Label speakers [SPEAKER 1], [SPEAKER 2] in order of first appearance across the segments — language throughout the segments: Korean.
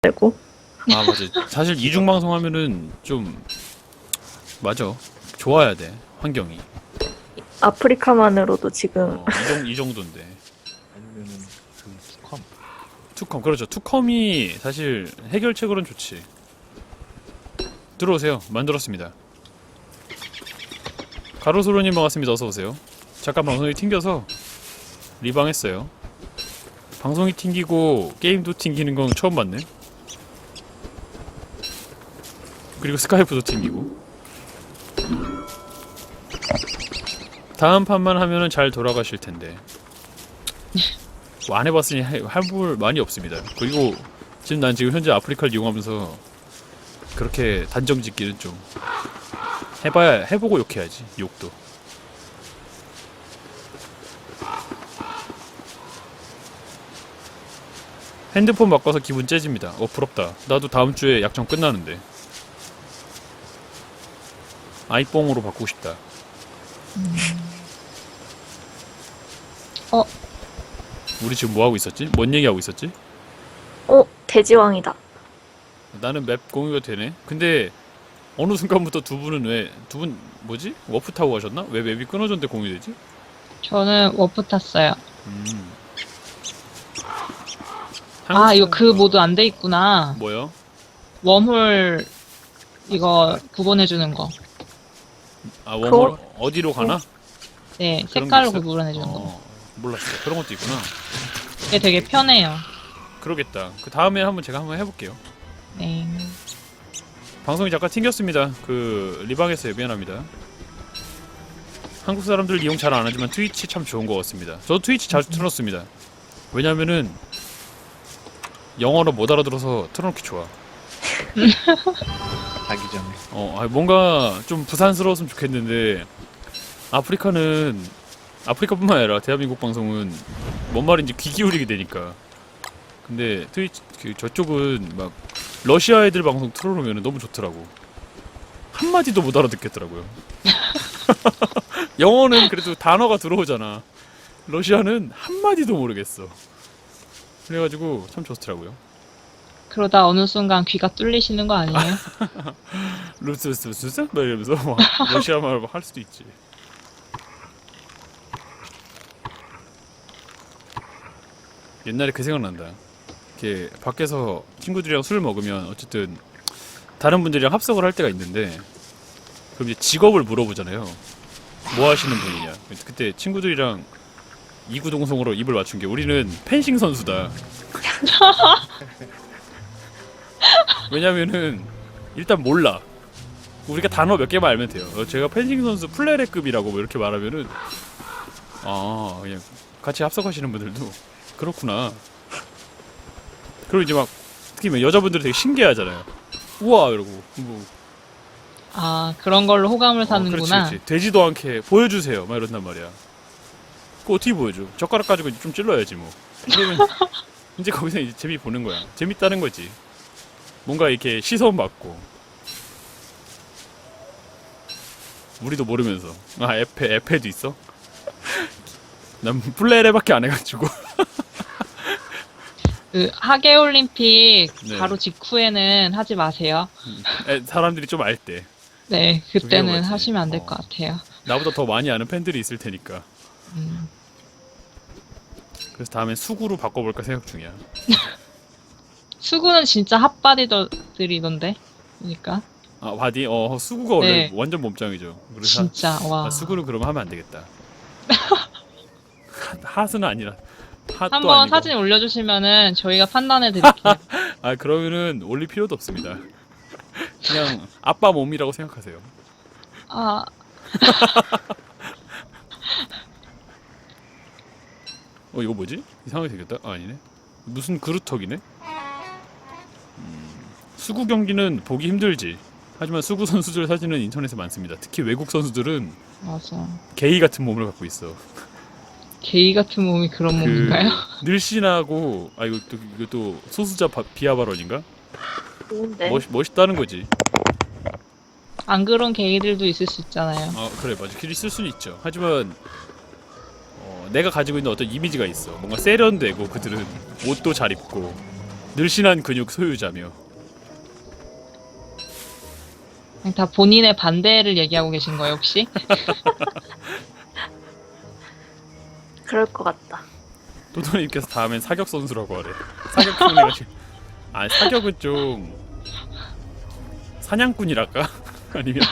[SPEAKER 1] 되고.
[SPEAKER 2] 아 맞아. 사실 이중 방송하면은 좀 맞아. 좋아야 돼 환경이.
[SPEAKER 1] 아프리카만으로도 지금
[SPEAKER 2] 이 정도인데.
[SPEAKER 3] 아니면은 그 투컴.
[SPEAKER 2] 투컴 그렇죠. 투컴이 사실 해결책으로는 좋지. 들어오세요. 만들었습니다. 가로수로님 반갑습니다. 어서 오세요. 잠깐 방송이 튕겨서 리방했어요. 방송이 튕기고 게임도 튕기는 건 처음 봤네. 그리고 스카이프도 튕기고. 다음 판만 하면은 잘 돌아가실 텐데. 뭐 안 해봤으니 할볼 많이 없습니다. 그리고 지금 난 지금 현재 아프리카를 이용하면서 그렇게 단정 짓기는 좀 해봐야 해보고 욕해야지. 욕도. 핸드폰 바꿔서 기분 째집니다. 부럽다. 나도 다음 주에 약정 끝나는데. 아이뽕으로 바꾸고 싶다. 우리 지금 뭐 하고 있었지? 뭔 얘기 하고 있었지?
[SPEAKER 1] 돼지왕이다.
[SPEAKER 2] 나는 맵 공유가 되네. 근데 어느 순간부터 두 분 뭐지? 워프 타고 가셨나? 왜 맵이 끊어졌는데 공유되지?
[SPEAKER 4] 저는 워프 탔어요.
[SPEAKER 2] 음.
[SPEAKER 4] 아, 이거 그 모드 안 돼 있구나.
[SPEAKER 2] 뭐요?
[SPEAKER 4] 웜홀 이거 구분해주는 거.
[SPEAKER 2] 아 웜홀 어디로 가나?
[SPEAKER 4] 네,
[SPEAKER 2] 그런
[SPEAKER 4] 색깔로
[SPEAKER 2] 게 있어요?
[SPEAKER 4] 구분해주는 거.
[SPEAKER 2] 몰랐어요. 그런 것도 있구나.
[SPEAKER 4] 이게 되게 편해요.
[SPEAKER 2] 그러겠다. 그 다음에 제가 한번 해볼게요.
[SPEAKER 4] 네.
[SPEAKER 2] 방송이 잠깐 튕겼습니다. 그 리방했어요. 미안합니다. 한국 사람들 이용 잘 안 하지만 트위치 참 좋은 것 같습니다. 저도 트위치 자주 틀었습니다. 왜냐면은 영어로 못 알아들어서 틀어놓기 좋아.
[SPEAKER 3] 자기 전에.
[SPEAKER 2] 뭔가 좀 부산스러웠으면 좋겠는데 아프리카뿐만 아니라 대한민국 방송은 뭔 말인지 귀 기울이게 되니까. 근데 트위치 저쪽은 막 러시아 애들 방송 틀어놓으면 너무 좋더라고. 한마디도 못 알아듣겠더라고요. 영어는 그래도 단어가 들어오잖아. 러시아는 한마디도 모르겠어. 그래가지고 참 좋더라고요.
[SPEAKER 4] 그러다 어느 순간 귀가 뚫리시는 거 아니에요?
[SPEAKER 2] 루스루스루스? 막 이러면서 막 러시아 말 할 수도 있지. 옛날에 그 생각난다. 이렇게 밖에서 친구들이랑 술을 먹으면 어쨌든 다른 분들이랑 합석을 할 때가 있는데 그럼 이제 직업을 물어보잖아요. 뭐 하시는 분이냐. 그때 친구들이랑 이구동성으로 입을 맞춘 게 우리는 펜싱 선수다. 왜냐면은 일단 몰라. 우리가 단어 몇 개만 알면 돼요. 제가 펜싱 선수 플레레급이라고 뭐 이렇게 말하면은 그냥 같이 합석하시는 분들도 그렇구나. 그리고 이제 막 특히 막 여자분들이 되게 신기해하잖아요. 우와 이러고 뭐
[SPEAKER 4] 아, 그런 걸로 호감을 사는구나.
[SPEAKER 2] 그렇지. 되지도 않게 보여주세요. 막 이런단 말이야. 그거 어떻게 보여줘? 젓가락 가지고 이제 좀 찔러야지 뭐. 그러면 이제 거기서 이제 재미 보는 거야. 재밌다는 거지. 뭔가 이렇게 시선 받고. 우리도 모르면서. 에페도 있어? 난 플레레밖에 안 해가지고.
[SPEAKER 4] 그 하계올림픽
[SPEAKER 2] 네.
[SPEAKER 4] 바로 직후에는 하지 마세요.
[SPEAKER 2] 사람들이 좀 알 때.
[SPEAKER 4] 네, 그때는
[SPEAKER 2] 위험하지.
[SPEAKER 4] 하시면 안 될 것 같아요.
[SPEAKER 2] 나보다 더 많이 아는 팬들이 있을 테니까.
[SPEAKER 4] 음.
[SPEAKER 2] 그래서 다음엔 수구로 바꿔볼까 생각 중이야.
[SPEAKER 4] 수구는 진짜 핫바디들이던데. 그러니까
[SPEAKER 2] 바디? 수구가 원래
[SPEAKER 4] 네.
[SPEAKER 2] 완전 몸짱이죠. 그래서
[SPEAKER 4] 진짜 와.
[SPEAKER 2] 수구는 그러면 하면 안 되겠다. 핫은 아니라. 핫도
[SPEAKER 4] 한번
[SPEAKER 2] 아니고.
[SPEAKER 4] 사진 올려주시면은 저희가 판단해 드릴게요.
[SPEAKER 2] 그러면은 올릴 필요도 없습니다. 그냥 아빠 몸이라고 생각하세요.
[SPEAKER 4] 아,
[SPEAKER 2] 이거 뭐지? 이상하게 생겼다? 아니네. 무슨 그루터기네? 수구 경기는 보기 힘들지. 하지만 수구 선수들 사진은 인터넷에 많습니다. 특히 외국 선수들은
[SPEAKER 4] 맞아.
[SPEAKER 2] 게이 같은 몸을 갖고 있어.
[SPEAKER 4] 게이 같은 몸이 그런 몸인가요?
[SPEAKER 2] 늘씬하고 이것도 소수자 비하 발언인가?
[SPEAKER 1] 좋은데.
[SPEAKER 2] 멋있다는 거지.
[SPEAKER 4] 안 그런 게이들도 있을 수 있잖아요.
[SPEAKER 2] 그래 맞아. 길이 쓸 수는 있죠. 하지만 내가 가지고 있는 어떤 이미지가 있어. 뭔가 세련되고 그들은 옷도 잘 입고 늘씬한 근육 소유자며.
[SPEAKER 4] 그냥 다 본인의 반대를 얘기하고 계신 거예요, 혹시?
[SPEAKER 1] 그럴 것 같다.
[SPEAKER 2] 또도님께서 다음엔 사격 선수라고 하래. 사격 총리가 지금. 아 사격은 좀 사냥꾼이랄까? 아니면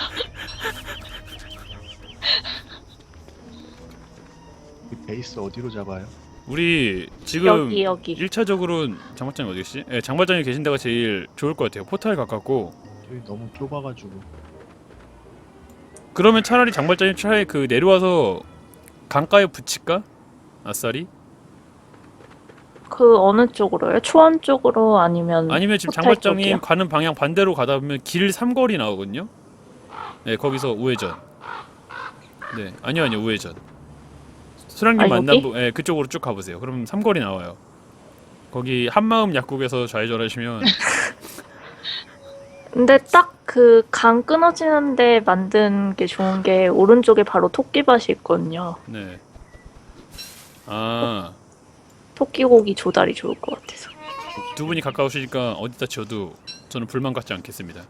[SPEAKER 3] 이 베이스 어디로 잡아요?
[SPEAKER 2] 우리 지금
[SPEAKER 1] 여기.
[SPEAKER 2] 1차적으로는 장발장이 어디 계시지? 네, 장발장이 계신 데가 제일 좋을 것 같아요. 포탈 가깝고.
[SPEAKER 3] 저희 너무 좁아가지고.
[SPEAKER 2] 그러면 차라리 장발장이 차라리 그 내려와서 강가에 붙일까? 아싸리?
[SPEAKER 1] 그 어느 쪽으로요? 초원 쪽으로 아니면
[SPEAKER 2] 아니면 지금
[SPEAKER 1] 포탈
[SPEAKER 2] 장발장이
[SPEAKER 1] 쪽이요?
[SPEAKER 2] 가는 방향 반대로 가다 보면 길 삼거리 나오거든요. 네, 거기서 우회전. 네, 아니요 우회전. 수랑님
[SPEAKER 1] 아,
[SPEAKER 2] 만난
[SPEAKER 1] 여기?
[SPEAKER 2] 부, 네, 그쪽으로 쭉 가보세요. 그럼 삼거리 나와요. 거기 한마음 약국에서 좌회전하시면
[SPEAKER 1] 근데 딱 그 강 끊어지는데 만든 게 좋은 게 오른쪽에 바로 토끼밭이 있거든요.
[SPEAKER 2] 네. 아,
[SPEAKER 1] 토끼고기 조달이 좋을 것 같아서.
[SPEAKER 2] 두 분이 가까우시니까 어디다 지어도 저는 불만 갖지 않겠습니다.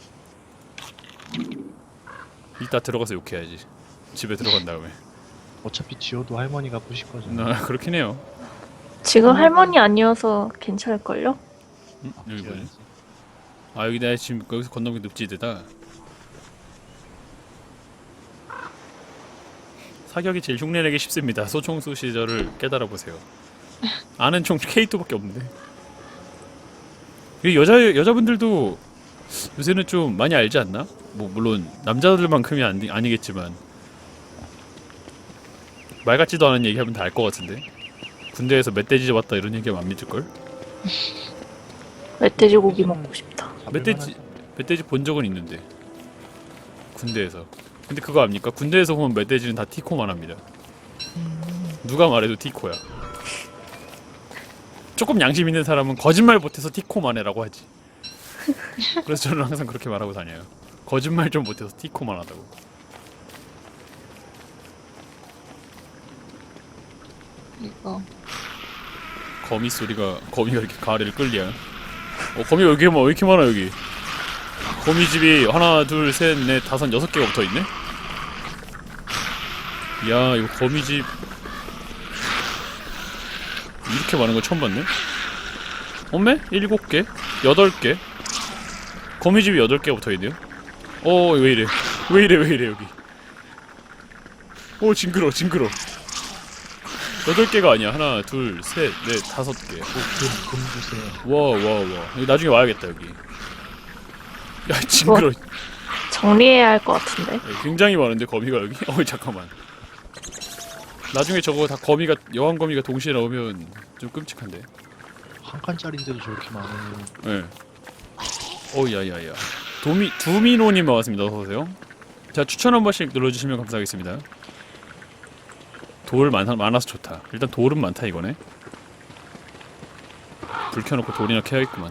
[SPEAKER 2] 이따 들어가서 욕해야지. 집에 들어간 다음에.
[SPEAKER 3] 어차피 지어도 할머니가 부실 거잖아요.
[SPEAKER 2] 그렇긴 해요.
[SPEAKER 1] 지금 할머니 아니어서 괜찮을걸요?
[SPEAKER 2] 여기 뭐지?
[SPEAKER 3] 지어야지.
[SPEAKER 2] 아 여기 내가 지금 여기서 건너기 늪지대다. 사격이 제일 흉내내기 쉽습니다. 소총수 시절을 깨달아 보세요. 아는 총 K2밖에 없는데. 이 여자분들도 요새는 좀 많이 알지 않나? 뭐 물론 남자들만큼이 아니겠지만 말 같지도 않은 얘기하면 다 알 것 같은데. 군대에서 멧돼지 잡았다 이런 얘기하면 안 믿을 걸?
[SPEAKER 1] 멧돼지 고기 먹고 싶다.
[SPEAKER 2] 멧돼지 본 적은 있는데 군대에서. 근데 그거 압니까? 군대에서 보면 멧돼지는 다 티코만 합니다. 누가 말해도 티코야. 조금 양심 있는 사람은 거짓말 못해서 티코만 해라고 하지. 그래서 저는 항상 그렇게 말하고 다녀요. 거짓말 좀 못해서 티코만 하다고.
[SPEAKER 4] 이거.
[SPEAKER 2] 거미가 이렇게 가래를 끌리야. 거미가 여기 왜 이렇게 많아 여기. 거미집이 하나 둘 셋 넷 다섯 여섯 개가 붙어있네? 야 이거 거미집 이렇게 많은 거 처음 봤네? 어메? 7개? 8개? 거미집이 8개가 붙어있네요? 왜이래 왜이래 여기. 징그러 8개가 아니야. 하나 둘 셋 넷 5개.
[SPEAKER 3] 금 주세요.
[SPEAKER 2] 와 여기 나중에 와야겠다 여기. 야 징그러.
[SPEAKER 1] 정리해야 할 것 같은데.
[SPEAKER 2] 굉장히 많은데 거미가 여기? 잠깐만. 나중에 저거 다 거미가 여왕 거미가 동시에 나오면 좀 끔찍한데.
[SPEAKER 3] 한 칸짜리인데도 저렇게 많아요.
[SPEAKER 2] 예. 야야야. 두미노님 반갑습니다. 어서 오세요. 자 추천 한 번씩 눌러주시면 감사하겠습니다. 돌 많아서 좋다. 일단 돌은 많다 이거네. 불 켜놓고 돌이나 캐야겠구만.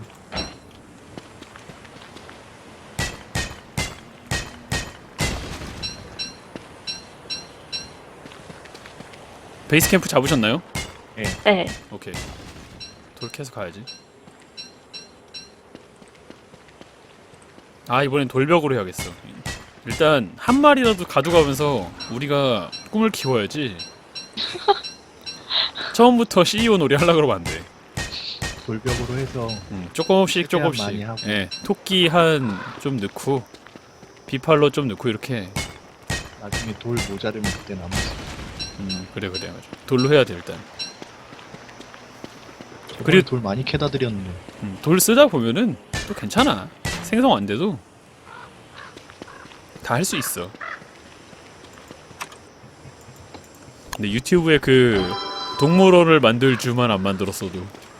[SPEAKER 2] 베이스 캠프 잡으셨나요?
[SPEAKER 1] 네.
[SPEAKER 2] 오케이. 돌 캐서 가야지. 이번엔 돌벽으로 해야겠어. 일단 한 마리라도 가져가면서 우리가 꿈을 키워야지. 처음부터 CEO 놀이 하려고 그러면 안 돼.
[SPEAKER 3] 돌벽으로 해서
[SPEAKER 2] 조금씩
[SPEAKER 3] 최대한 많이 하고.
[SPEAKER 2] 예, 토끼 한 좀 넣고 비팔로 좀 넣고 이렇게.
[SPEAKER 3] 나중에 돌 모자르면 그때 남았어.
[SPEAKER 2] 그래 맞아. 돌로 해야 돼 일단.
[SPEAKER 3] 그리고 돌 많이 캐다 드렸는데.
[SPEAKER 2] 돌 쓰다 보면은 또 괜찮아. 생성 안 돼도 다 할 수 있어. 근데 유튜브에 그 동물원을 만들 주만 안 만들었어도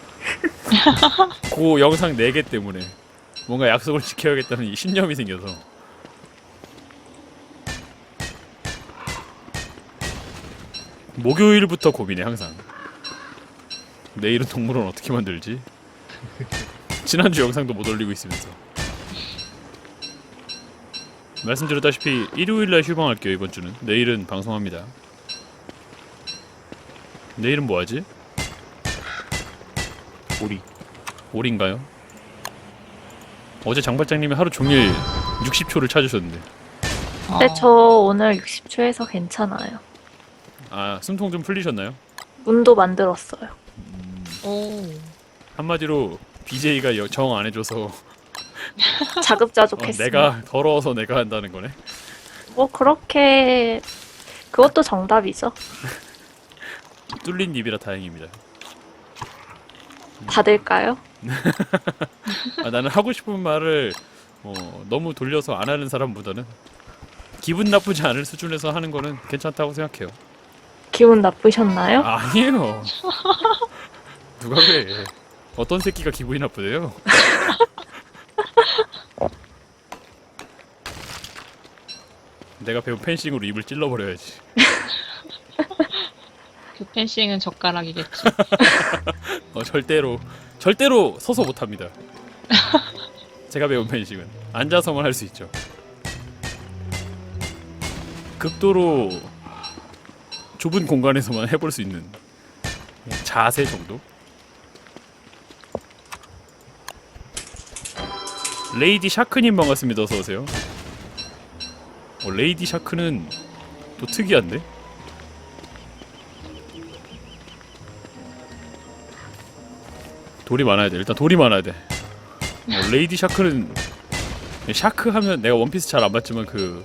[SPEAKER 2] 그 영상 4개 때문에 뭔가 약속을 지켜야겠다는 이 신념이 생겨서. 목요일부터 고민해 항상. 내일은 동물원 어떻게 만들지? 지난주 영상도 못 올리고 있으면서. 말씀드렸다시피 일요일날 휴방할게요 이번 주는. 내일은 방송합니다. 내일은 뭐하지?
[SPEAKER 3] 오리.
[SPEAKER 2] 돌인가요? 어제 장발장님이 하루 종일 60초를 찾으셨는데.
[SPEAKER 1] 근데 저 오늘 60초에서 괜찮아요.
[SPEAKER 2] 아, 숨통 좀 풀리셨나요?
[SPEAKER 1] 문도 만들었어요.
[SPEAKER 4] 오.
[SPEAKER 2] 한마디로 BJ가 정 안 해줘서
[SPEAKER 1] 자급자족했습니다.
[SPEAKER 2] 내가 더러워서 내가 한다는 거네.
[SPEAKER 1] 뭐 그렇게 그것도 정답이죠.
[SPEAKER 2] 뚫린 입이라 다행입니다.
[SPEAKER 1] 받을까요?
[SPEAKER 2] 아, 나는 하고 싶은 말을 너무 돌려서 안 하는 사람보다는 기분 나쁘지 않을 수준에서 하는 거는 괜찮다고 생각해요.
[SPEAKER 1] 기분 나쁘셨나요?
[SPEAKER 2] 아니에요. 누가 그래? 어떤 새끼가 기분이 나쁘대요? 내가 배운 펜싱으로 입을 찔러버려야지.
[SPEAKER 4] 그 펜싱은 젓가락이겠지.
[SPEAKER 2] 절대로 서서 못합니다. 제가 배운 펜싱은 앉아서만 할 수 있죠. 극도로 좁은 공간에서만 해볼 수 있는 자세 정도? 레이디 샤크님 반갑습니다. 어서오세요. 레이디 샤크는 또 특이한데? 돌이 많아야 돼. 일단 돌이 많아야 돼. 레이디 샤크는 샤크 하면 내가 원피스 잘 안 봤지만 그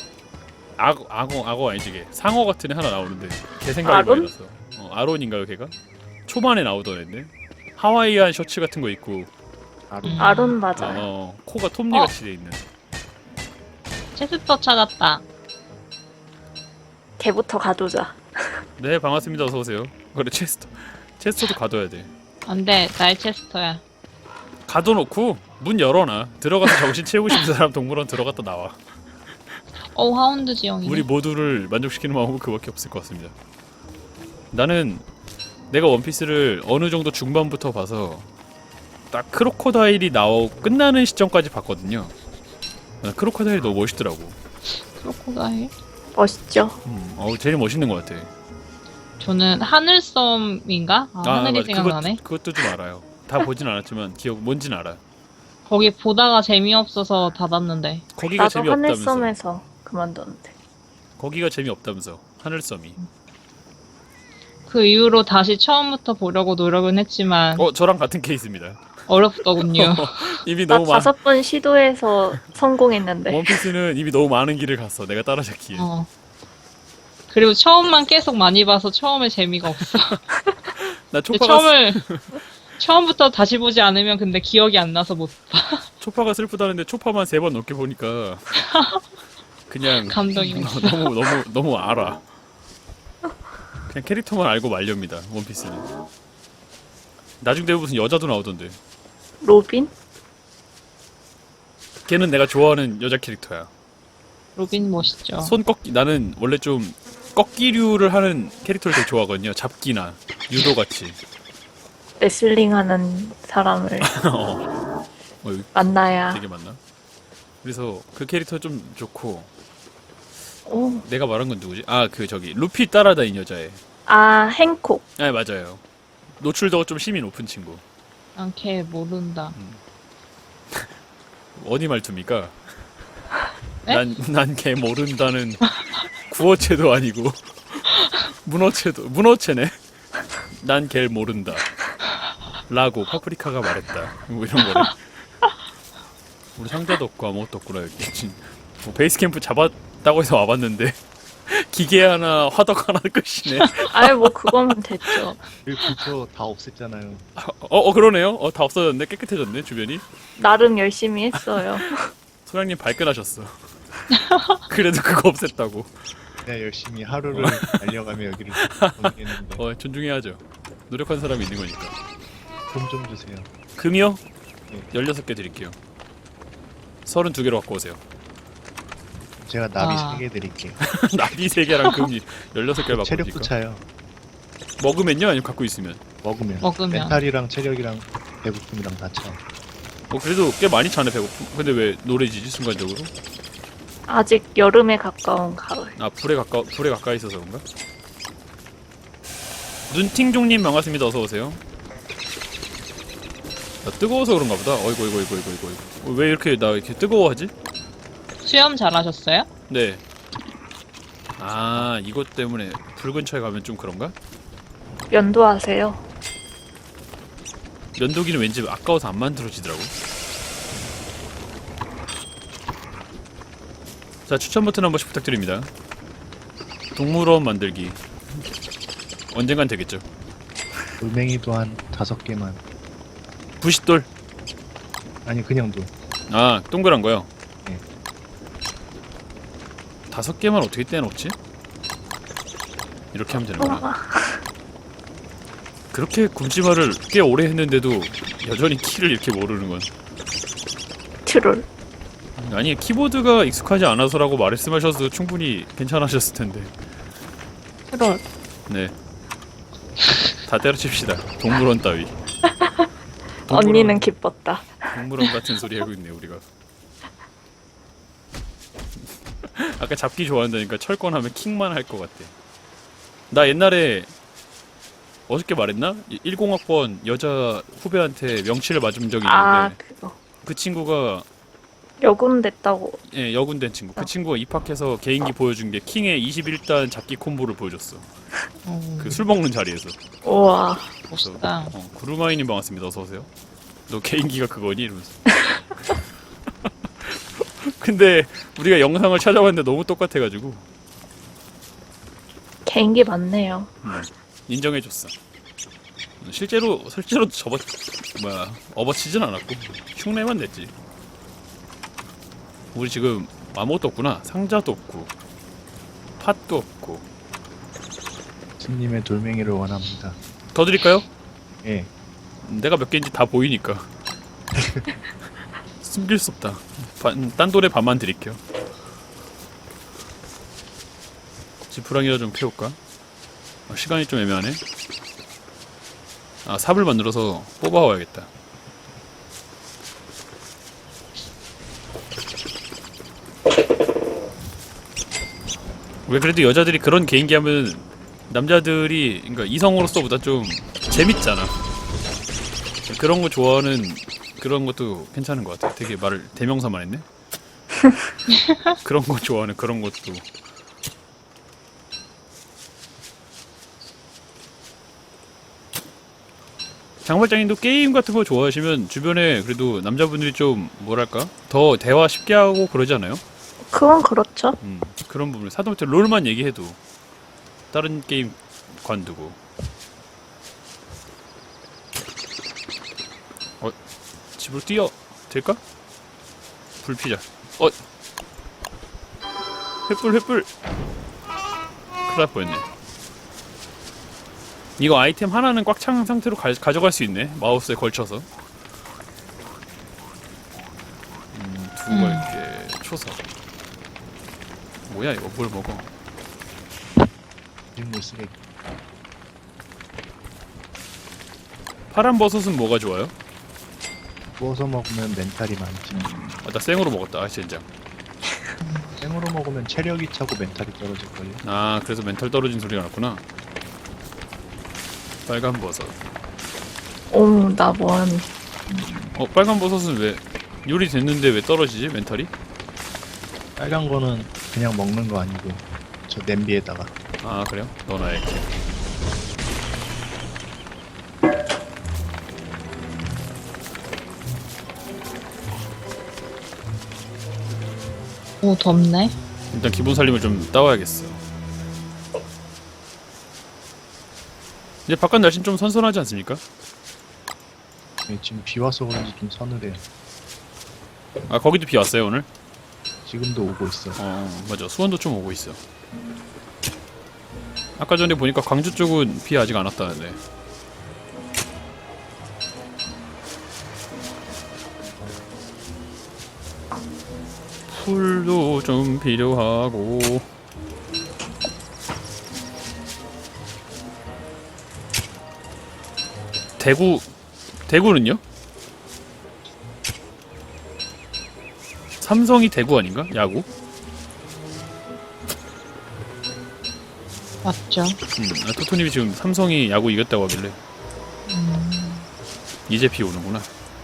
[SPEAKER 2] 악어 아니지 걔 상어 같은 애 하나 나오는데 걔 생각이
[SPEAKER 1] 아론?
[SPEAKER 2] 많이 났어. 아론인가요 걔가? 초반에 나오던 애인데 하와이안 셔츠 같은 거 입고
[SPEAKER 1] 아론 맞아요.
[SPEAKER 2] 코가 톱니 같이 돼 있는.
[SPEAKER 4] 체스터 찾았다.
[SPEAKER 1] 걔부터 가두자.
[SPEAKER 2] 네 반갑습니다. 어서 오세요. 그래 체스터도 가둬야 돼.
[SPEAKER 4] 안돼, 나의 체스터야.
[SPEAKER 2] 가둬놓고 문 열어놔. 들어가서 정신 채우고 싶은 사람 동물원 들어갔다 나와.
[SPEAKER 4] 하운드 지형이네.
[SPEAKER 2] 우리 모두를 만족시키는 마음은 그밖에 없을 것 같습니다. 나는 내가 원피스를 어느 정도 중반부터 봐서 딱 크로코다일이 나오고 끝나는 시점까지 봤거든요. 난 크로코다일이 너무 멋있더라고.
[SPEAKER 4] 크로코다일?
[SPEAKER 1] 멋있죠?
[SPEAKER 2] 제일 멋있는 것 같아.
[SPEAKER 4] 저는 하늘섬인가? 하늘이
[SPEAKER 2] 맞아.
[SPEAKER 4] 생각나네.
[SPEAKER 2] 그것도 좀 알아요. 다 보진 않았지만 뭔진 알아.
[SPEAKER 4] 거기 보다가 재미없어서 닫았는데.
[SPEAKER 2] 거기가
[SPEAKER 1] 나도
[SPEAKER 2] 재미없다면서.
[SPEAKER 1] 하늘섬에서 그만뒀는데.
[SPEAKER 2] 거기가 재미없다면서. 하늘섬이.
[SPEAKER 4] 그 이후로 다시 처음부터 보려고 노력은 했지만
[SPEAKER 2] 저랑 같은 케이스입니다.
[SPEAKER 4] 어렵더군요.
[SPEAKER 2] 이미
[SPEAKER 1] 나
[SPEAKER 2] 너무 많.
[SPEAKER 1] 5번 시도해서 성공했는데.
[SPEAKER 2] 원피스는 이미 너무 많은 길을 갔어. 내가 따라잡기에.
[SPEAKER 4] 그리고 처음만 계속 많이 봐서 처음에 재미가 없어.
[SPEAKER 2] 나
[SPEAKER 4] 근데
[SPEAKER 2] 초파가
[SPEAKER 4] 처음부터 다시 보지 않으면 근데 기억이 안 나서 못 봐.
[SPEAKER 2] 초파가 슬프다는데 초파만 3번 넘게 보니까 그냥
[SPEAKER 4] 감동이 없어.
[SPEAKER 2] 너무 알아. 그냥 캐릭터만 알고 말렵니다. 원피스는. 나중 되면 무슨 여자도 나오던데.
[SPEAKER 1] 로빈?
[SPEAKER 2] 걔는 내가 좋아하는 여자 캐릭터야.
[SPEAKER 4] 로빈 멋있죠.
[SPEAKER 2] 손 꺾기. 나는 원래 좀 꺾기류를 하는 캐릭터를 되게 좋아하거든요. 잡기나 유도 같이.
[SPEAKER 1] 레슬링 하는 사람을
[SPEAKER 2] 여기
[SPEAKER 1] 만나야.
[SPEAKER 2] 되게 많나? 그래서 그 캐릭터 좀 좋고.
[SPEAKER 1] 오.
[SPEAKER 2] 내가 말한 건 누구지? 저기 루피 따라다닌 여자애.
[SPEAKER 1] 행콕.
[SPEAKER 2] 아 맞아요. 노출도가 좀 힘이 높은 친구.
[SPEAKER 4] 난 걔 모른다.
[SPEAKER 2] 어디 말투입니까?
[SPEAKER 4] 네?
[SPEAKER 2] 난 걔 모른다는 구어체도 아니고 문어체네. 난 걔 모른다. 라고 파프리카가 말했다. 뭐 이런 거를. 우리 상자도 없고 아무것도 없구나 여기. 뭐 베이스 캠프 잡았다고 해서 와봤는데 기계 하나, 화덕 하나 끝이네.
[SPEAKER 1] 뭐 그거면 됐죠.
[SPEAKER 3] 불표 다 없앴잖아요.
[SPEAKER 2] 그러네요. 다 없어졌네. 깨끗해졌네 주변이.
[SPEAKER 1] 나름 열심히 했어요.
[SPEAKER 2] 소장님 발끈하셨어. 그래도 그거 없앴다고.
[SPEAKER 3] 내가 열심히 하루를 달려가며 여기를 보내겠는데
[SPEAKER 2] 존중해야죠. 노력한 사람이 있는 거니까.
[SPEAKER 3] 돈 좀 주세요.
[SPEAKER 2] 금이요?
[SPEAKER 3] 네.
[SPEAKER 2] 16개 드릴게요. 32개로 갖고 오세요.
[SPEAKER 3] 제가 나비
[SPEAKER 4] 아.
[SPEAKER 3] 3개 드릴게요.
[SPEAKER 2] 나비 3개랑 금이 16개를 갖고
[SPEAKER 3] 체력도
[SPEAKER 2] 오니까.
[SPEAKER 3] 차요.
[SPEAKER 2] 먹으면요? 아니면 갖고 있으면?
[SPEAKER 3] 먹으면.
[SPEAKER 4] 먹으면.
[SPEAKER 3] 멘탈이랑 체력이랑 배고픔이랑 다 차.
[SPEAKER 2] 그래도 꽤 많이 차네 배고픔. 근데 왜 노래지지 순간적으로?
[SPEAKER 1] 아직 여름에 가까운 가을.
[SPEAKER 2] 불에 가까이 있어서 그런가? 눈팅종님 반갑습니다. 어서 오세요. 나 뜨거워서 그런가 보다. 어이구. 왜 이렇게 나 이렇게 뜨거워하지?
[SPEAKER 4] 수염 잘하셨어요?
[SPEAKER 2] 네. 아, 이것 때문에 불 근처에 가면 좀 그런가?
[SPEAKER 1] 면도하세요.
[SPEAKER 2] 면도기는 왠지 아까워서 안 만들어지더라고. 자, 추천 버튼 한 번씩 부탁드립니다. 동물원 만들기. 언젠간 되겠죠.
[SPEAKER 3] 돌멩이도 한 5개만.
[SPEAKER 2] 부싯돌.
[SPEAKER 3] 아니 그냥 돌.
[SPEAKER 2] 아, 동그란 거요?
[SPEAKER 3] 네.
[SPEAKER 2] 5개만 어떻게 떼놓지? 이렇게 하면 되는구나.
[SPEAKER 1] 우와.
[SPEAKER 2] 그렇게 굶지마를 꽤 오래 했는데도 여전히 키를 이렇게 모르는 건.
[SPEAKER 1] 트롤.
[SPEAKER 2] 아니, 키보드가 익숙하지 않아서라고 말씀하셔도 충분히 괜찮으셨을 텐데.
[SPEAKER 1] 트롤.
[SPEAKER 2] 네. 다 때려칩시다. 동물원 따위.
[SPEAKER 1] 언니는 기뻤다.
[SPEAKER 2] 동물원 같은 소리 하고 있네 우리가. 아까 잡기 좋아한다니까 철권하면 킥만 할 것 같아. 나 옛날에 어저께 말했나? 10학번 여자 후배한테 명치를 맞은 적이 있는데
[SPEAKER 1] 아, 그거.
[SPEAKER 2] 그 친구가
[SPEAKER 1] 여군 됐다고.
[SPEAKER 2] 예, 여군된 친구. 그 친구가 입학해서 개인기 보여준 게 킹의 21단 잡기 콤보를 보여줬어. 그 술 먹는 자리에서.
[SPEAKER 1] 우와.
[SPEAKER 4] 멋있다.
[SPEAKER 2] 구루마이님 반갑습니다. 어서 오세요. 너 개인기가 그거니? 이러면서. 근데 우리가 영상을 찾아봤는데 너무 똑같아가지고
[SPEAKER 1] 개인기 많네요.
[SPEAKER 2] 인정해줬어. 실제로 업어치진 않았고 흉내만 냈지. 우리 지금 아무것도 없구나. 상자도 없고 팥도 없고.
[SPEAKER 3] 스님의 돌멩이를 원합니다.
[SPEAKER 2] 더 드릴까요?
[SPEAKER 3] 예.
[SPEAKER 2] 내가 몇 개인지 다 보이니까. 숨길 수 없다. 딴 돌에 반만 드릴게요. 지푸랑이라 좀 캐올까? 시간이 좀 애매하네. 아, 삽을 만들어서 뽑아와야겠다. 왜 그래도 여자들이 그런 개인기 하면 남자들이, 그러니까 이성으로서보다 좀 재밌잖아. 그런 거 좋아하는 그런 것도 괜찮은 것 같아. 되게 말을 대명사만 했네. 그런 거 좋아하는 그런 것도. 장발장님도 게임 같은 거 좋아하시면 주변에 그래도 남자분들이 좀 뭐랄까 더 대화 쉽게 하고 그러지 않아요?
[SPEAKER 1] 그건 그렇죠.
[SPEAKER 2] 그런 부분. 사도부터 롤만 얘기해도 다른 게임 관두고. 집으로 뛰어 될까? 불피자. 횃불. 큰일 날 뻔했네. 이거 아이템 하나는 꽉 찬 상태로 가져갈 수 있네. 마우스에 걸쳐서. 두고 갈게. 초석. 뭐야 이거? 뭘 먹어?
[SPEAKER 3] 식물 쓰레기.
[SPEAKER 2] 파란 버섯은 뭐가 좋아요?
[SPEAKER 3] 구워서 먹으면 멘탈이 많지.
[SPEAKER 2] 아, 나 생으로 먹었다. 아, 젠장.
[SPEAKER 3] 생으로 먹으면 체력이 차고 멘탈이 떨어질걸요.
[SPEAKER 2] 아, 그래서 멘탈 떨어진 소리가 났구나. 빨간 버섯.
[SPEAKER 1] 오, 나 뭐하니.
[SPEAKER 2] 빨간 버섯은 왜 요리 됐는데 왜 떨어지지? 멘탈이?
[SPEAKER 3] 빨간 거는 그냥 먹는 거 아니고 저 냄비에다가.
[SPEAKER 2] 아, 그래요? 넣어놔야겠지.
[SPEAKER 4] 오, 덥네.
[SPEAKER 2] 일단 기본 살림을 좀 따와야겠어. 이제 바깥 날씨는 좀 선선하지 않습니까?
[SPEAKER 3] 예, 지금 비 와서 그런지 좀 서늘해요.
[SPEAKER 2] 아, 거기도 비 왔어요 오늘?
[SPEAKER 3] 지금도 오고 있어.
[SPEAKER 2] 맞아. 수원도 좀 오고 있어. 아까 전에 보니까 광주 쪽은 비 아직 안 왔다는데. 풀도 좀 필요하고. 대구는요? 삼성이 대구 아닌가? 야구?
[SPEAKER 4] 맞죠.
[SPEAKER 2] 토토님이 지금 삼성이 야구 이겼다고 하길래 이제 비 오는구나.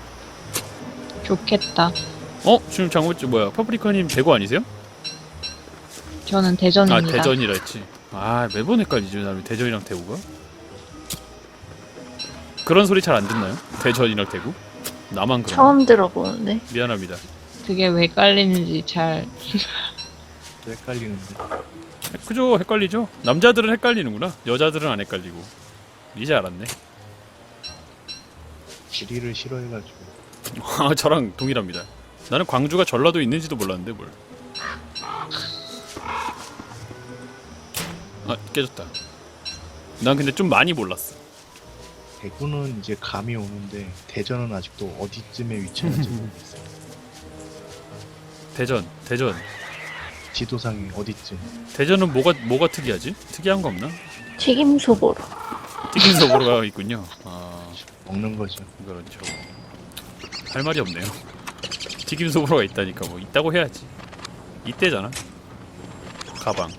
[SPEAKER 4] 좋겠다.
[SPEAKER 2] 지금 장모님 뭐야? 파프리카님 대구 아니세요?
[SPEAKER 4] 저는
[SPEAKER 2] 아
[SPEAKER 4] 대전입니다.
[SPEAKER 2] 대전이라 했지. 아 매번 헷갈리죠. 나는 대전이랑 대구가. 그런 소리 잘 안 듣나요? 대전이랑 대구? 나만 그런.
[SPEAKER 1] 처음 들어보는데.
[SPEAKER 2] 미안합니다.
[SPEAKER 4] 그게 왜 깔리는지 잘.
[SPEAKER 3] 또 헷갈리는데.
[SPEAKER 2] 그죠? 헷갈리죠? 남자들은 헷갈리는구나. 여자들은 안 헷갈리고. 이제 알았네.
[SPEAKER 3] 지리를 싫어해가지고.
[SPEAKER 2] 아 저랑 동일합니다. 나는 광주가 전라도 있는지도 몰랐는데 뭘. 아 깨졌다. 난 근데 좀 많이 몰랐어.
[SPEAKER 3] 대구는 이제 감이 오는데 대전은 아직도 어디쯤에 위치한지 모르겠어요.
[SPEAKER 2] 대전.
[SPEAKER 3] 지도상에 어디쯤.
[SPEAKER 2] 대전은 뭐가 특이하지? 특이한 거 없나?
[SPEAKER 1] 튀김 소보로.
[SPEAKER 2] 튀김 소보로가 있군요. 아
[SPEAKER 3] 먹는 거죠.
[SPEAKER 2] 그렇죠. 할 말이 없네요. 튀김 소보로가 있다니까 뭐 있다고 해야지. 이때잖아. 가방.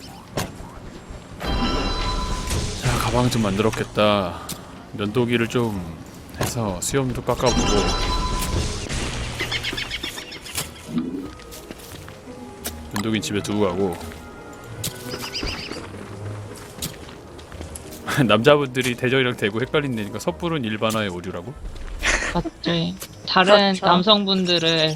[SPEAKER 2] 자 가방 좀 만들었겠다. 면도기를 좀 해서 수염도 깎아보고. 면도기는 집에 두고 가고. 남자분들이 대전이랑 대구 헷갈린다니까 섣부른 일반화의 오류라고?
[SPEAKER 4] 맞지. 다른
[SPEAKER 1] 그렇죠.
[SPEAKER 4] 남성분들을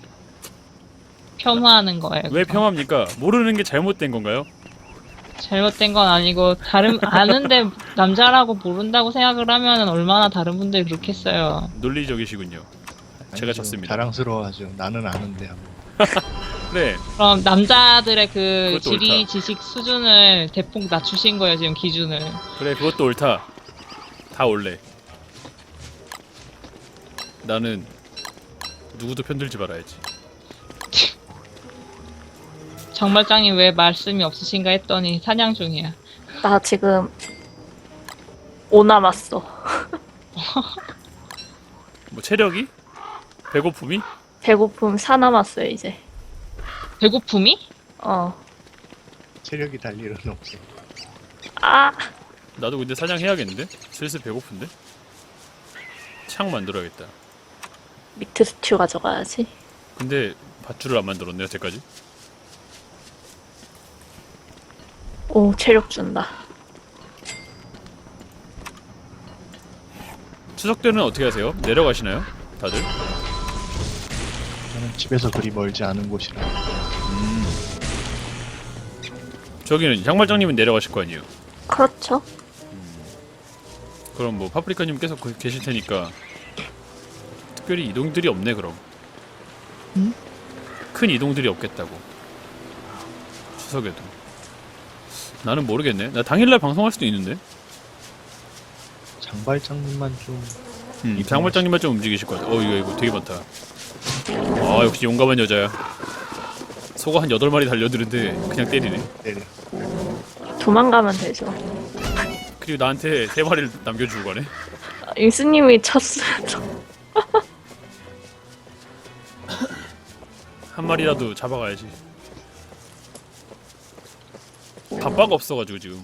[SPEAKER 4] 폄하하는 거예요.
[SPEAKER 2] 왜
[SPEAKER 4] 그거.
[SPEAKER 2] 평합니까? 모르는 게 잘못된 건가요?
[SPEAKER 4] 잘못된 건 아니고 다른 아는데 남자라고 모른다고 생각을 하면은 얼마나 다른 분들이 그렇겠어요.
[SPEAKER 2] 논리적이시군요. 제가
[SPEAKER 3] 아니죠.
[SPEAKER 2] 졌습니다.
[SPEAKER 3] 자랑스러워하죠. 나는 아는데 하고.
[SPEAKER 2] 그래.
[SPEAKER 4] 그럼 남자들의 그
[SPEAKER 2] 그것도
[SPEAKER 4] 지리
[SPEAKER 2] 옳다.
[SPEAKER 4] 지식 수준을 대폭 낮추신 거예요, 지금 기준을.
[SPEAKER 2] 그래 그것도 옳다. 다 옳래. 나는 누구도 편들지 말아야지.
[SPEAKER 4] 정말장이 왜 말씀이 없으신가 했더니 사냥 중이야.
[SPEAKER 1] 나 지금 5 남았어.
[SPEAKER 2] 뭐 체력이? 배고픔이?
[SPEAKER 1] 배고픔 4 남았어요 이제.
[SPEAKER 4] 배고픔이?
[SPEAKER 3] 체력이 달 일은 없어.
[SPEAKER 1] 아
[SPEAKER 2] 나도 근데 사냥해야겠는데? 슬슬 배고픈데? 창 만들어야겠다.
[SPEAKER 1] 미트 스튜 가져가야지.
[SPEAKER 2] 근데 밧줄을 안 만들었네 여태까지.
[SPEAKER 1] 오 체력 준다.
[SPEAKER 2] 추석 때는 어떻게 하세요? 내려가시나요? 다들?
[SPEAKER 3] 저는 집에서 그리 멀지 않은 곳이라.
[SPEAKER 2] 저기는 양말장님은 내려가실 거 아니에요?
[SPEAKER 1] 그렇죠.
[SPEAKER 2] 그럼 뭐 파프리카님 계속 계실 테니까 특별히 이동들이 없네 그럼.
[SPEAKER 4] 응?
[SPEAKER 2] 큰 이동들이 없겠다고. 추석에도. 나는 모르겠네. 나 당일날 방송할 수도 있는데.
[SPEAKER 3] 장발장님만 좀
[SPEAKER 2] 장발장님만 좀 움직이실 것 같아. 이거 되게 많다. 아 역시 용감한 여자야. 소가 한 8마리 달려드는데 그냥 때리네.
[SPEAKER 3] 때려.
[SPEAKER 1] 도망가면 되죠.
[SPEAKER 2] 그리고 나한테 3마리를 남겨주고 가네.
[SPEAKER 1] 인스님이 쳤어요.
[SPEAKER 2] 한 마리라도 잡아가야지. 바빠가 없어가지고 지금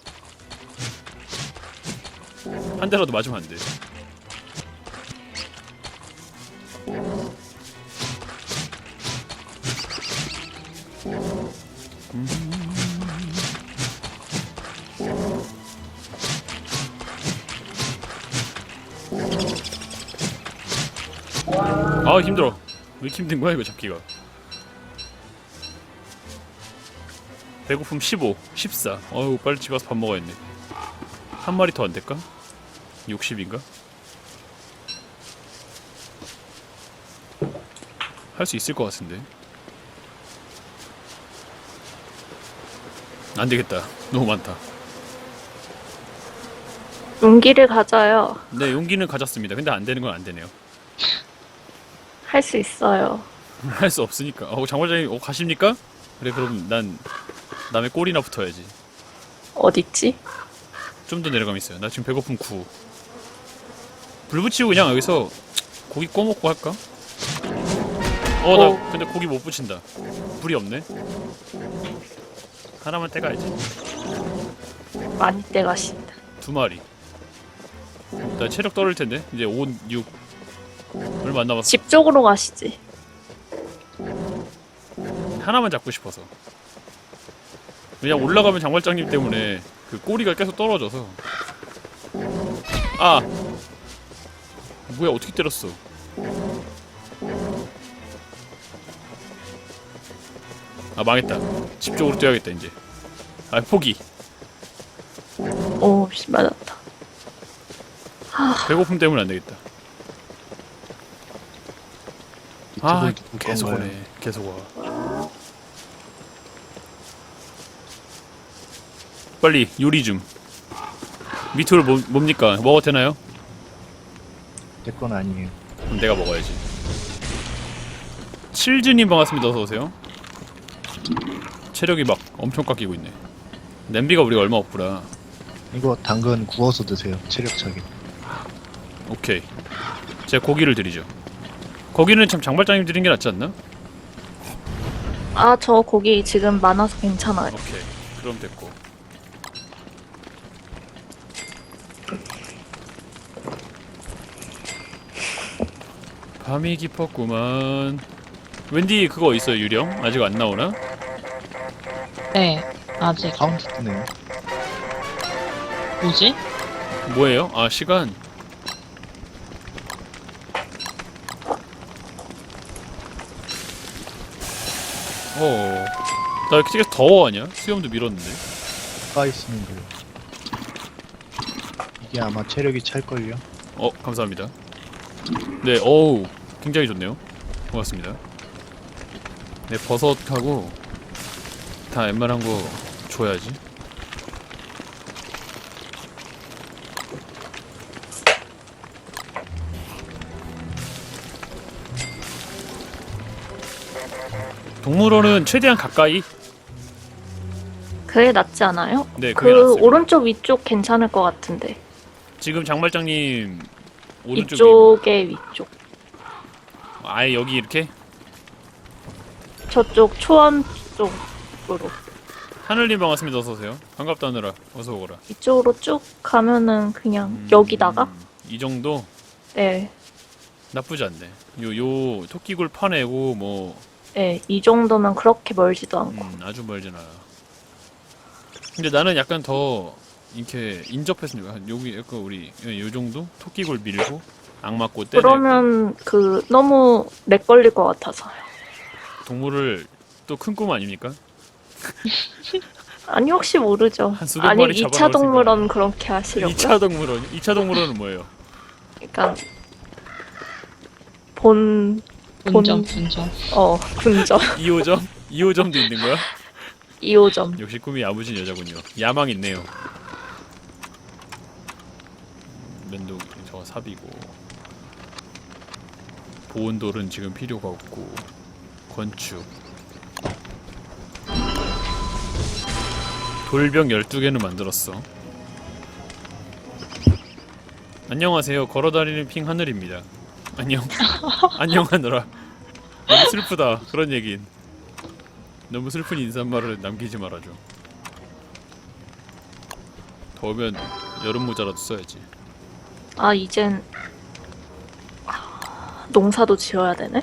[SPEAKER 2] 한 대라도 맞으면 안 돼. 아 힘들어. 왜 이렇게 힘든 거야 이거 잡기가. 배고픔 15, 14. 어우 빨리 집 가서 밥 먹어야겠네. 한 마리 더 안 될까? 60인가? 할 수 있을 것 같은데. 안 되겠다. 너무 많다.
[SPEAKER 1] 용기를 가져요.
[SPEAKER 2] 네 용기는 가졌습니다. 근데 안 되는 건 안 되네요.
[SPEAKER 1] 할 수 있어요.
[SPEAKER 2] 할 수 없으니까. 장관장님 가십니까? 그래 그럼 난 남의 꼬리나 붙어야지.
[SPEAKER 1] 어딨지?
[SPEAKER 2] 좀 더 내려가면 있어요. 나 지금 배고픔 9. 불 붙이고 그냥 여기서 고기 구워 먹고 할까? 나 근데 고기 못 붙인다. 불이 없네. 하나만 떼가야지.
[SPEAKER 1] 많이 떼가신다.
[SPEAKER 2] 2마리. 나 체력 떨어질 텐데. 이제 5, 6. 얼마 안 남았어.
[SPEAKER 1] 집 쪽으로 가시지.
[SPEAKER 2] 하나만 잡고 싶어서. 그냥 올라가면 장발장님 때문에 그 꼬리가 계속 떨어져서. 아! 뭐야, 어떻게 때렸어? 아, 망했다. 집 쪽으로 뛰어야겠다, 이제. 아, 포기.
[SPEAKER 1] 오, 씨, 맞았다.
[SPEAKER 2] 배고픔 때문에 안 되겠다. 아,
[SPEAKER 3] 이쪽을 누구
[SPEAKER 2] 계속
[SPEAKER 3] 건가요?
[SPEAKER 2] 오네. 계속 와. 빨리 요리 좀. 미트롤 뭡니까? 먹어도 되나요?
[SPEAKER 3] 내 건 아니에요.
[SPEAKER 2] 그럼 내가 먹어야지. 칠즈님 반갑습니다. 어서오세요. 체력이 막 엄청 깎이고 있네. 냄비가 우리가 얼마 없구나.
[SPEAKER 3] 이거 당근 구워서 드세요. 체력차게.
[SPEAKER 2] 오케이. 제가 고기를 드리죠. 고기는 참 장발장님 드린 게 낫지 않나?
[SPEAKER 1] 아, 저 고기 지금 많아서 괜찮아요.
[SPEAKER 2] 오케이. 그럼 됐고. 밤이 깊었구만. 웬디 그거 있어요, 유령? 아직 안 나오나?
[SPEAKER 4] 네, 아직.
[SPEAKER 3] 카운트 뜨네요.
[SPEAKER 4] 뭐지?
[SPEAKER 2] 뭐예요? 아, 시간. 나 이렇게 되게 더워하냐? 수염도 밀었는데.
[SPEAKER 3] 가까이 있으면 돼요. 이게 아마 체력이 찰걸요.
[SPEAKER 2] 감사합니다. 네, 어우, 굉장히 좋네요. 고맙습니다. 네, 버섯하고 다 웬만한 거 줘야지. 동물원은 최대한 가까이?
[SPEAKER 1] 그게 낫지 않아요?
[SPEAKER 2] 네, 그게
[SPEAKER 1] 그
[SPEAKER 2] 낫습니다.
[SPEAKER 1] 오른쪽 위쪽 괜찮을 것 같은데.
[SPEAKER 2] 지금 장발장님 오른쪽
[SPEAKER 1] 이쪽에 위쪽.
[SPEAKER 2] 아예 여기 이렇게?
[SPEAKER 1] 저쪽 초원 쪽으로.
[SPEAKER 2] 하늘님 반갑습니다. 어서오세요. 반갑다느라 어서오거라.
[SPEAKER 1] 이쪽으로 쭉 가면은 그냥 여기다가?
[SPEAKER 2] 이 정도?
[SPEAKER 1] 네.
[SPEAKER 2] 나쁘지 않네. 요 토끼굴 파내고 뭐
[SPEAKER 1] 네, 이 정도면 그렇게 멀지도 않고.
[SPEAKER 2] 아주 멀진 않아. 근데 나는 약간 더 이렇게 인접했으니까 여기 약간 우리 요 정도 토끼굴 밀고 악맞고 때리고
[SPEAKER 1] 그러면 너무 렉 걸릴 것 같아서요.
[SPEAKER 2] 동물을 또 큰 꿈 아닙니까?
[SPEAKER 1] 아니 혹시 모르죠.
[SPEAKER 2] 한 수백
[SPEAKER 1] 아니
[SPEAKER 2] 마리
[SPEAKER 1] 2차
[SPEAKER 2] 잡아놓을
[SPEAKER 1] 동물원 그렇게 하시려고요?
[SPEAKER 2] 2차 동물원은 뭐예요?
[SPEAKER 1] 그러니까 본
[SPEAKER 4] 분점.
[SPEAKER 1] 분점
[SPEAKER 2] 2호점도 있는 거야?
[SPEAKER 1] 2호점.
[SPEAKER 2] 역시 꿈이 야무진 여자군요. 야망 있네요. 면도 저거 삽이고 보온돌은 지금 필요가 없고 건축 돌병 12개는 만들었어. 안녕하세요. 걸어다니는 핑 하늘입니다. 안녕. 안녕하느라. 너무 슬프다. 그런 얘긴. 너무 슬픈 인사말을 남기지 말아줘. 더우면 여름 모자라도 써야지.
[SPEAKER 1] 아 이젠 농사도 지어야 되네?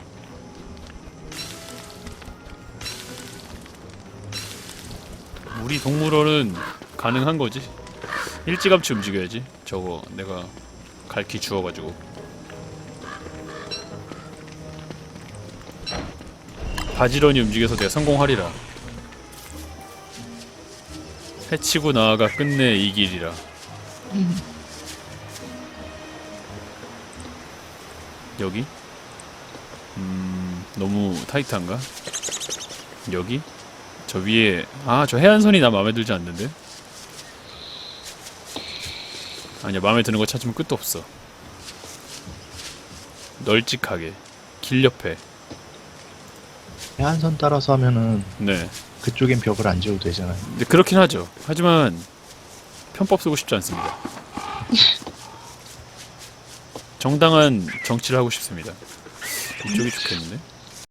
[SPEAKER 2] 우리 동물원은 가능한 거지. 일찌감치 움직여야지. 저거 내가 갈퀴 주워가지고. 바지런히 움직여서 내가 성공하리라. 해치고 나아가 끝내 이 길이라. 여기? 너무 타이트한가? 여기? 저 위에 저 해안선이 나 마음에 들지 않는데? 아니야, 마음에 드는 거 찾으면 끝도 없어. 널찍하게 길 옆에.
[SPEAKER 3] 해안선 따라서 하면은
[SPEAKER 2] 네.
[SPEAKER 3] 그쪽엔 벽을 안 지어도 되잖아요.
[SPEAKER 2] 근데 그렇긴 하죠. 하지만 편법 쓰고 싶지 않습니다. 정당한 정치를 하고 싶습니다. 이쪽이 좋겠는데?